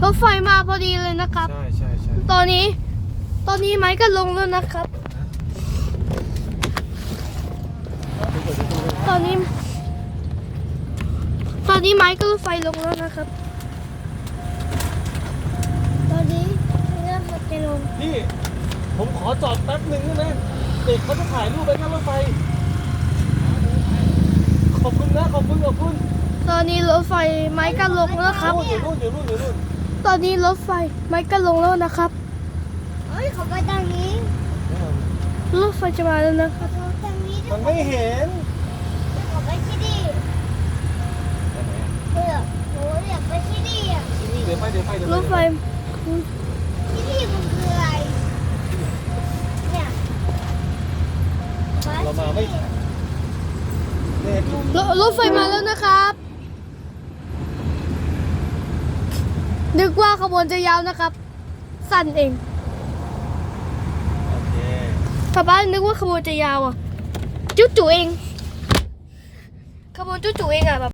รถไฟมาพอดีเลยนะครับใช่ตอนนี้ไม้ก็ลงแล้วนะครับตอนนี้ไม้ก็รถไฟลงแล้วนะครับตอนนี้เริ่มจะลงพี่ผมขอจอดแป๊บหนึ่งได้ไหมเด็กเขาจะถ่ายรูปไปนั่งรถไฟขอบคุณนะขอบคุณตอนนี้รถไฟไม้ก็ลงแล้วครับอยู่นู่นตอนนี้รถไฟไม้ก็ลงแล้วนะครับเฮ้ยเขาไปทางนี้รถไฟจะมาแล้วนะครับเขาทางนี้มันไม่เห็นเขาไปที่นี่เดี๋ยวโหอยากไปที่นี่อ่ะเดี๋ยวไปรถไฟที่นี่มันคืออะไรเนี่ยเรามาไม่ทันเนี่ยรถไฟมาแล้วนะครับ นึกว่าขบวนจะยาวนะครับ สั้นเองโอเคป้านึกว่าขบวนจะยาวอ่ะ จุ๊จุเองขบวนจุ๊จุเองอ่ะแบบ